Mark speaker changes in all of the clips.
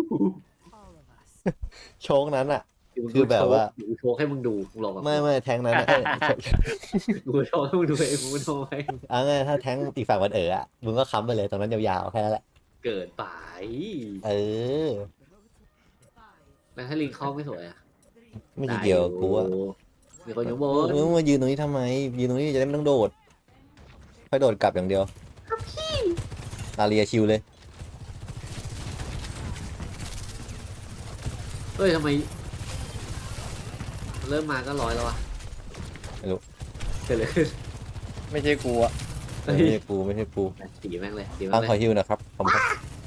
Speaker 1: โชคนั้นอ่ะ
Speaker 2: มึง
Speaker 1: คือแบบว่า
Speaker 2: ดูโชว์ให้มึงดูมึงลองกับ
Speaker 1: ไม่แทงนั้นอะ
Speaker 2: กูโชว์ให้มึงดูเองมึงโชว์ให้
Speaker 1: เอาไงถ้าแทงอีกฝั่งมันอ่ะมึงก็ค้ำไปเลยตรงนั้นยาวๆแค่นั้นแหละ
Speaker 2: เกิดไป
Speaker 1: เออ
Speaker 2: แล้วถ้าลิงเข้าไม่สวยอ่ะ
Speaker 1: ไม่
Speaker 2: ได้
Speaker 1: เกี่ยว
Speaker 2: อยู่
Speaker 1: กูอะ
Speaker 2: มีคนอยู่บน
Speaker 1: มึงมายืนตรงนี้ทำไมยืนตรงนี้จะได้ไม่ต้องโดดค่อยโดดกลับอย่างเดียวอาเรียชิวเลย
Speaker 2: เฮ้ยทำไมเริ่มมาก็100แล้วอ่ะ
Speaker 1: ไม่รู้
Speaker 2: เกิดอะไรขึ้น
Speaker 3: ไม่ใช่กูอะ
Speaker 1: ไม่ใช่กู
Speaker 2: ตีแม่งเลยตีแม่
Speaker 1: ตั้ง
Speaker 2: งเล
Speaker 1: คอย ฮิวนะครับผมครับ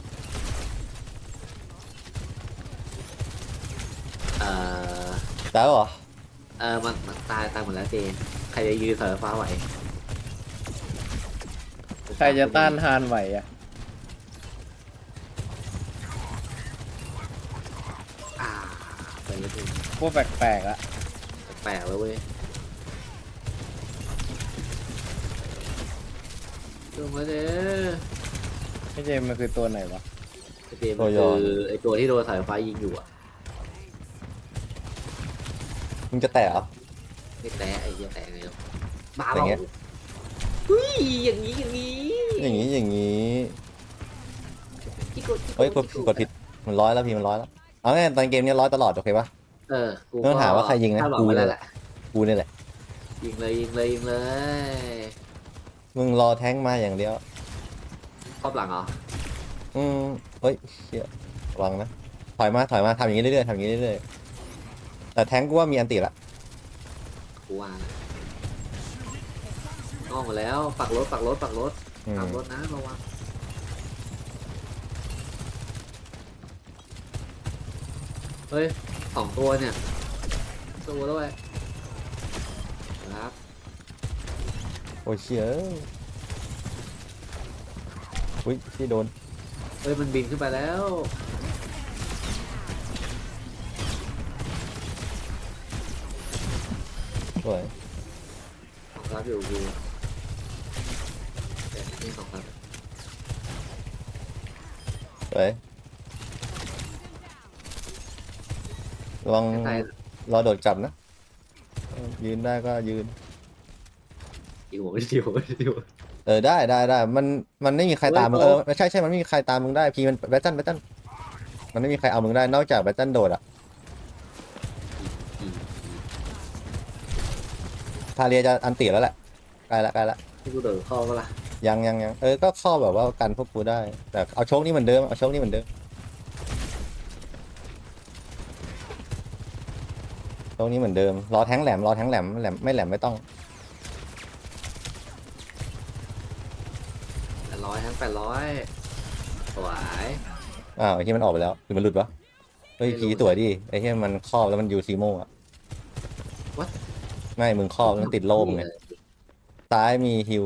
Speaker 2: เอ่อ
Speaker 1: แล้วเหรอ
Speaker 2: มันตายหมดแล้วเจนใครจะยืนสายฟ้าไหว
Speaker 3: ใครจะต้านทานไหวอะ
Speaker 2: อ่าไปเลย
Speaker 3: พวกแปลกๆอะ
Speaker 2: แปลกแล้วเว้ยลงมาเด้อ
Speaker 3: ไม่ใช่มันคือตัวไหนวะ
Speaker 2: เจมมันคือไอตัวที่โดนสายฟ้ายิงอยู่อ่ะ
Speaker 1: มึงจะแตะเหรอ
Speaker 2: ไม่แตะไอ้เหี้ยแตะไงแล้วมา
Speaker 1: อย่าง
Speaker 2: เป
Speaker 1: เงี้
Speaker 2: ล่าย อุ้ยอย่างนี้อย่างนี้
Speaker 1: อย่างนี้
Speaker 2: ที่กด
Speaker 1: เฮ้ยกดผิดมันร้อยแล้วพี่มันร้อยแล้วเอาไงตอนเกมนี้ร้อยตลอดโอเคปะ
Speaker 2: กู
Speaker 1: ไม่ต้องถามว่าใครยิงนะ
Speaker 2: กู
Speaker 1: กู
Speaker 2: เนี่
Speaker 1: เนี่ย ย
Speaker 2: แห
Speaker 1: แห
Speaker 2: ละ
Speaker 1: ละกูเนี่ยแหละ
Speaker 2: ยิงเลยยิงเลยยิงเลย
Speaker 1: มึงรอแท้งมาอย่างเดียว
Speaker 2: ครอบหลังเหรอ
Speaker 1: อืมเฮ้ยเชี่ยระวังนะถอยมาทำอย่างนี้เรื่อยๆทำอย่างนี้เรื่อยๆแต่แท้งกูว่ามีอันติละ
Speaker 2: กูว่านะนอกหมดแล้วปักรถปักรถปักรถ
Speaker 1: อืม
Speaker 2: ขับรถนะระวังเฮ้ย2 ตัวเนี่ยตัวด้วยครับ
Speaker 1: โอ้ยเชี่ยอุ้ยที่โดน
Speaker 2: เฮ้ยมันบินขึ้นไปแล้ว
Speaker 1: สวย
Speaker 2: ของรับอยู่กูแต่นี่ของรับ
Speaker 1: สวยระวัง
Speaker 2: ใช่
Speaker 1: รอโดดกลับนะยืนได้ก็ยืน
Speaker 2: อีหัวไม่ดีหัวไม่ดีหัว
Speaker 1: ได้มันไม่มีใครตามมึง
Speaker 2: เฮ้ย
Speaker 1: ไม่ใช่มันไม่มีใครตามมึงได้พี่มันแบตตันมันไม่มีใครเอามึงได้นอกจากแบตตันโดดอ่ะทาเรียจะอันติแล้วแหละใกล้ละ
Speaker 2: ที่กูเดินเข้าก็ล่ะ
Speaker 1: ยังก็เข้าแบบว่ากันพวกกูได้แต่เอาโชคนี่เหมือนเดิมเอาโชคนี่เหมือนเดิมโชคนี้เหมือนเดิมรอแทงแหลมไม่แหลมไม่ต้อง
Speaker 2: 800ทั้ง800สวย
Speaker 1: อ้าวไอ้ที่มันออกไปแล้วหรือมันหลุดวะเฮ้ย
Speaker 2: ไม่รู้
Speaker 1: ผีตัวดิไอ้ที่มันครอบแล้วมันยูซีโม่อะ
Speaker 2: What?
Speaker 1: ไม่มึงครอบแล้วมันติดโล่มึงไงซ้ายมีฮิว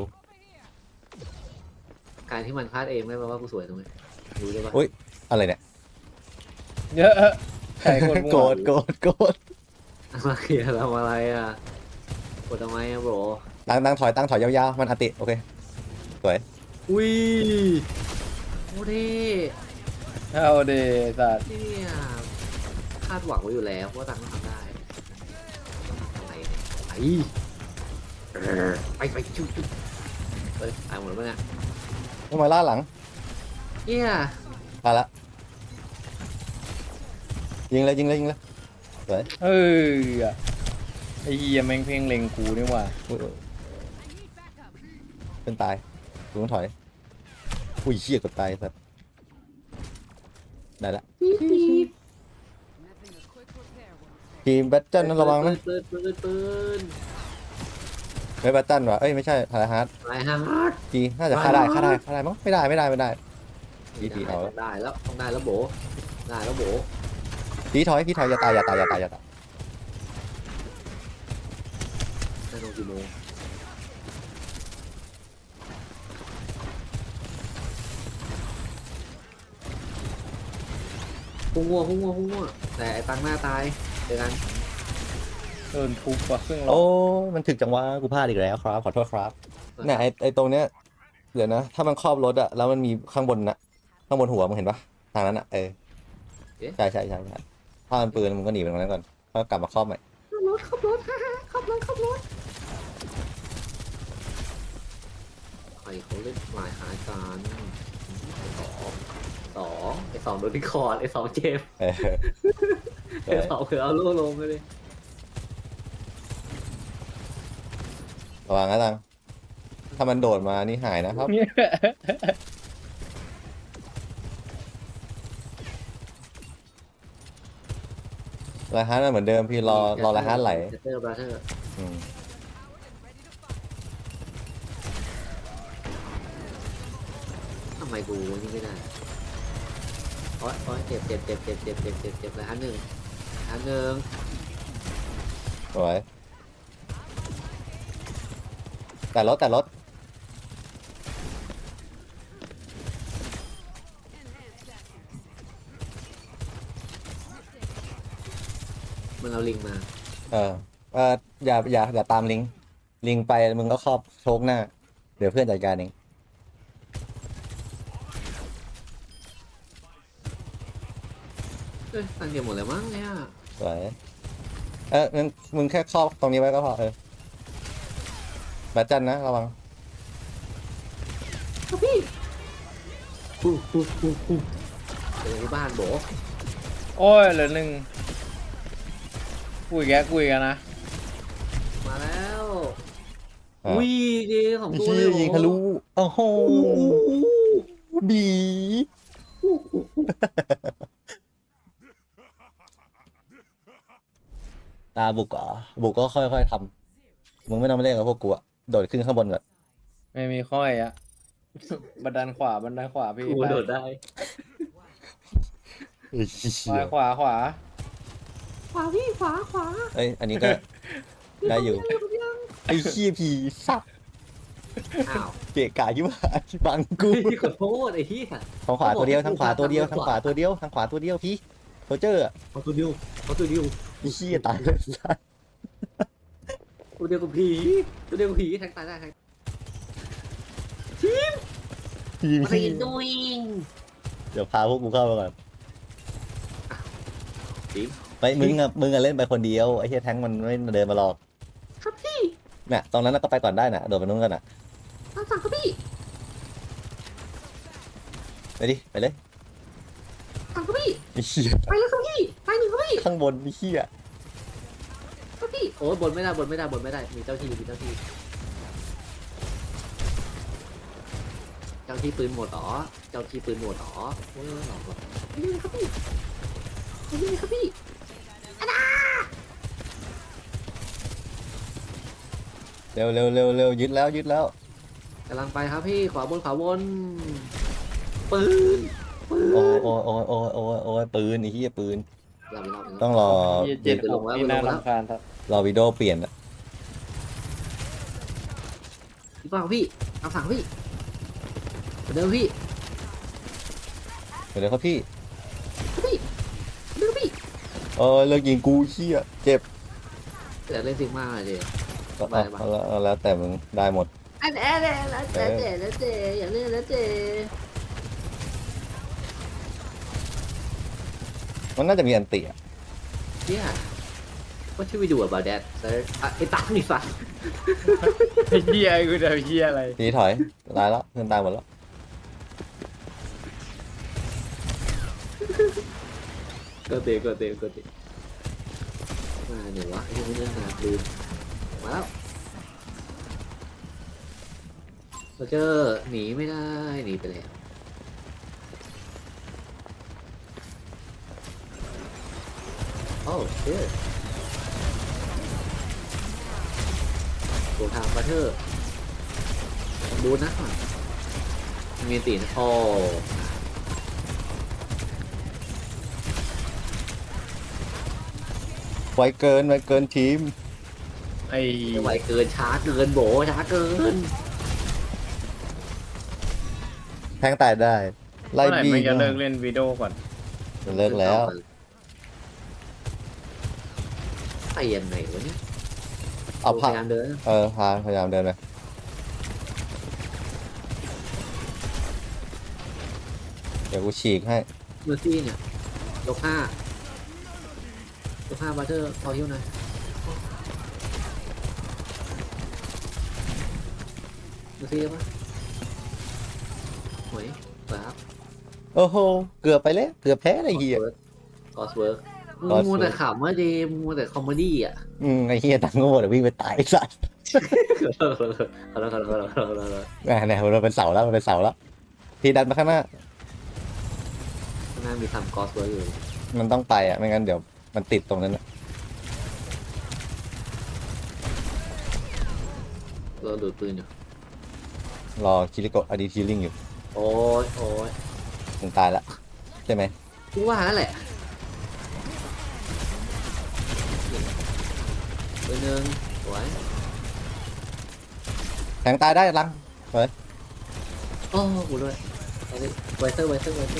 Speaker 2: การที่มันพลาดเองไม่แปลว่ากูสวยตรงนี้รู้ได้ปะ
Speaker 1: อุ๊ย อะไรเนี่ย
Speaker 3: เยอะใครคนมั่ว
Speaker 1: โกรธ
Speaker 2: มาเคลียร์ทำอะไรอ่ะกดทำไมอ่ะโบร
Speaker 1: ตั้งถอยยาวๆมันอติโอเคสวย
Speaker 2: อุ้ยโอ้ดิ
Speaker 3: เอาเดสัตว์
Speaker 2: เนี่ยคาดหวังไว้อยู่แล้วว่าตังค์ต้องทำได้ทำไมเนี่ยไปชุบเฮ้ยตายหมดแล้วปะเนี่ย
Speaker 1: ต้องมาล่าหลัง
Speaker 2: เนี่ย
Speaker 1: มาละยิงเลยสวย
Speaker 3: เออไอ้เหี้ยแม่งเพ่งเล็งกูนี่หว่า
Speaker 1: อุ๊ยเป็นตายกูต้องถอยอุ้ยเชี่ยกดตายสัตว์ได้ละทีมแบตเทิลนั้นระวังนะ
Speaker 2: ปืน
Speaker 1: ไม่แบตเทิลว่ะเอ้ยไม่ใช่ทาราฮาร์ด
Speaker 2: ไรฮะ
Speaker 1: จีน่าจะฆ่าได้มั้งไม่ได้พี่เอาแล้ว
Speaker 2: ได้แล้วต้องได้แล้วโบได้แล้วโบ
Speaker 1: พี่ถอยอย่าตาย
Speaker 2: ได้ลงกี่โมงพุ่งงัวแต่ไอ้ตังหน้าตายเจอกัน
Speaker 3: โดนทุบว่ะครึ่งหลอ
Speaker 1: โอ้
Speaker 3: ด
Speaker 1: มันถึกจังวะกูพลาดอีกแล้วครับขอโทษครับเนี่ยไอตรงเนี้ยเดี๋ยวนะถ้ามันครอบรถอะแล้วมันมีข้างบนหัวมึงเห็นปะทางนั้นอะใช่ใช่ใช่ใช่ถ้ามันปืนมึงก็หนีไปตรงนั้นก่อนแล้วกลับมาครอบใหม่
Speaker 2: ขับรถฮ่าฮ่าขับรถใครเขาเล่นหลายหาการไอ้สองโดนที่คอร์ดไอ้สองเจมส์
Speaker 1: เออ
Speaker 2: ไอ้สองคือเอาลูกลงไปเลย
Speaker 1: ระวังนะตังถ้ามันโดดมานี่หายนะครับไรฮันเหมือนเดิมพี่รอไรฮันไหล
Speaker 2: เตอร์บราเธอร์
Speaker 1: อืม
Speaker 2: ทำไมกูนี่ไม่ได้โอ๊ยเจ็บเลยอันหนึ่ง
Speaker 1: สวยแต่รถ
Speaker 2: มันเอาลิงมา
Speaker 1: เอออย่าตามลิงไปมึงก็ครอบโชกหน้า เดี๋ยวเพื่อนจัดการเอง
Speaker 2: เอ้ยตังเดียวหมดเลยมั้งเนี่ย
Speaker 1: สวยงั้นมึงแค่ครอบตรงนี้ไว้ก็พอแบตจันนะระวัง
Speaker 2: ครับพี่เจอที่บ้านโบ
Speaker 3: โอ้ยเหลือหนึ่งคุยกันนะ
Speaker 2: มาแล้ว
Speaker 1: อ่ะ
Speaker 2: อุ้ยดีของตัว
Speaker 1: เชี่
Speaker 2: เลย
Speaker 1: ยยิงทะลุโอ้โหบีตาบุกเหรอบุกก็ค่อยๆทำมึงไม่ต้องมาเล่นกับพวกกูอะโดดขึ้นข้างบนก่อน
Speaker 3: ไม่มีค่อยอะ บันไดขวาพี่
Speaker 2: กูโดดได้
Speaker 3: ขวาขวา
Speaker 2: ขวาพี่ขวา
Speaker 1: เอ้ยอันนี้ก็ได้อยู่ไอ้ขี้ยผีสับ
Speaker 2: อ้าว
Speaker 1: เกะกะยิ่งว่าบังกู
Speaker 2: พี่ขอโทษไอ้เหี้ย
Speaker 1: ทางขวาตัวเดียวทางขวาตัวเดียวพี่โรเจอร์อะ
Speaker 2: เอาตัวเดียว
Speaker 1: ไอ้ขี้ยตายเลย
Speaker 2: ตัวเดียวกับผีแทงตายได้แทง
Speaker 1: ผี
Speaker 2: What are you doing
Speaker 1: เดี๋ยวพาพวกกูเข้าไปก่อน
Speaker 2: ทีม
Speaker 1: ไปมึงอะเล่นไปคนเดียวไอ้เหี้ยแท้งมันไม่เดินมาหรอก
Speaker 2: ครับพี่
Speaker 1: น่ะตรงนั้นก็ไปก่อนได้น่ะโดดไปนู้นกันน่ะ
Speaker 2: ตามสั่งครับพี่
Speaker 1: ไปดิไปเลย
Speaker 2: สั่งครับพี่
Speaker 1: ไอ้เหี้ย
Speaker 2: ไปแล้วครับพี่ไปหนึ่งครับพี่
Speaker 1: ข้างบนไอ้เหี้ย
Speaker 2: ครับพี่โอ้ยบนไม่ได้มีเจ้าที่ปืนหมดหรอเจ้าที่ปืนหมดหรอโอ้ยหลอกหรอนี่ครับพี่
Speaker 1: เร็วยึดแล้ว
Speaker 2: กำลังไปครับพี่ขวาบนปืน
Speaker 1: โอ้ยปืนไอ้เหี้ยปืน
Speaker 2: เรา
Speaker 1: ต้องรอ
Speaker 3: พี่เจ็ดหกนี่น่ารำคาญครับ
Speaker 1: รอวิดีโอเปลี่ยนอะ
Speaker 2: พี่ฟังพี่ตามสั่งพี่เดิมพี่
Speaker 1: เดี๋ยวครับพี่
Speaker 2: เดิมพี่
Speaker 1: เลิกยิงกูเหี้ยเจ็บ
Speaker 2: แต่เล่นซิกมาเลย
Speaker 1: ก็เอาแล้วแต่มึงได้หมด
Speaker 2: แล้วเจอย่าเล่นแล้วเจ
Speaker 1: มันน่าจะมีอันติอะ
Speaker 2: Yeah What should we do about that sir ไอ้ตังนี่สัส
Speaker 3: ไอ้เหี้ยกูจะเหี้ยอะไร
Speaker 1: ทีถอยตายแล้วเพื่อนตายหมดแล้ว
Speaker 2: ก็เตะมาเนี่ยวะไอ้ยังไม่เล่นนาคืนมาแล้วเราเจอหนีไม่ได้หนีไปแล้วโอ้เชื่อตัวทางบัตเทอร์ดูนะมีตีนะโอ้
Speaker 1: ไวเกินทีม
Speaker 3: ไอ้
Speaker 2: ไม่ไหวเกินช้าเกินโบช้าเกิน
Speaker 1: แทงตายได้ไล่
Speaker 3: เมื่อไหร่
Speaker 1: บี้
Speaker 3: มันจะเลิกเล่นวิดีโอก่อน
Speaker 1: เลิกแล้ว
Speaker 2: ไปยังไงวะเนี่ย
Speaker 1: เอา
Speaker 2: พ
Speaker 1: พาย
Speaker 2: ายามเดิน
Speaker 1: พยายามเดินไปเดี๋ยวกูฉีกให้
Speaker 2: เมอร์ซี่เนี่ยยกห้บัตเตอร์พอฮิวหน่อยดูซิได้ปะหวยสวยครับ
Speaker 1: โอ้โหเกือบไปแล้วเกือบแพ้อะไรเฮีย
Speaker 2: กอสเวิร์ก
Speaker 1: Ghost
Speaker 2: มัวแต่
Speaker 1: Work
Speaker 2: ขำว่าเดมมัวแต่คอมเมดี้อ่ะ
Speaker 1: ไอ้เฮียตังโง่เดี๋ยววิ่งไปตายไอ้สัส
Speaker 2: เอาละ
Speaker 1: เนี่ยมันเป็นเสาแล้วมันเป็นเสาแล้วทีดันมาข้างหน้า
Speaker 2: ข้างหน้ามีทำกอสเวิร์กอยู่
Speaker 1: มันต้องไปอ่ะไม่งั้นเดี๋ยวมันติดตรงนั้นน่ะ
Speaker 2: เราดูดปืนอยู่
Speaker 1: รอคิริโกะอดีทีลิงอยู่
Speaker 2: โอ้ย
Speaker 1: มึงตายละใช่ไหม
Speaker 2: กูว่านั่นแหละปืนหนึ่งสวย
Speaker 1: แทงตายได้ลังเฮ้ย
Speaker 2: โอ้กูด้วยเอาดิไวเซอร์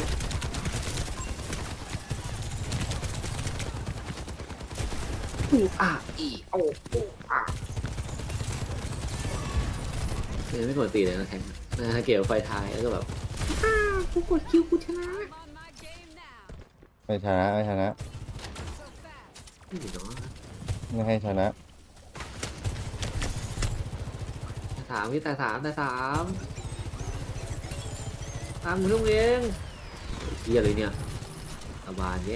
Speaker 2: เดี๋ยวไม่กดตีเลยนะแทงนะเกี่ยวไฟท้ายแล้วก็แบบกูกดคิวกูชนะ
Speaker 1: ไม่ชนะไม่ชนะ
Speaker 2: นี่เนาะ
Speaker 1: ไม่ให้ชนะ
Speaker 2: สามพี่แต่สามตามมึงลูกเองเฮียเลยเนี่ยตะบานแย่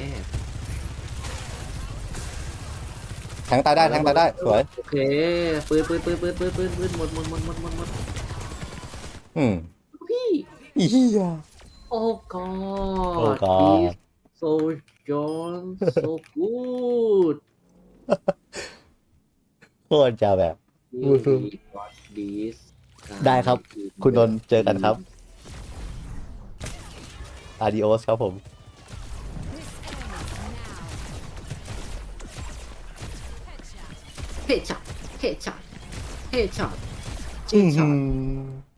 Speaker 1: แทงตายได้แทงตายได้สวย
Speaker 2: โอเคปืนหมดพี่
Speaker 1: อีเหี้ย
Speaker 2: โอ้กอ
Speaker 1: Oh
Speaker 2: ด
Speaker 1: God
Speaker 2: so John so good
Speaker 1: โคตรจะแบบ
Speaker 2: you got this
Speaker 1: ได้ครับ คุณนนท์เจอกันครับ adios ครับผม
Speaker 2: headshot
Speaker 1: อื้อหือ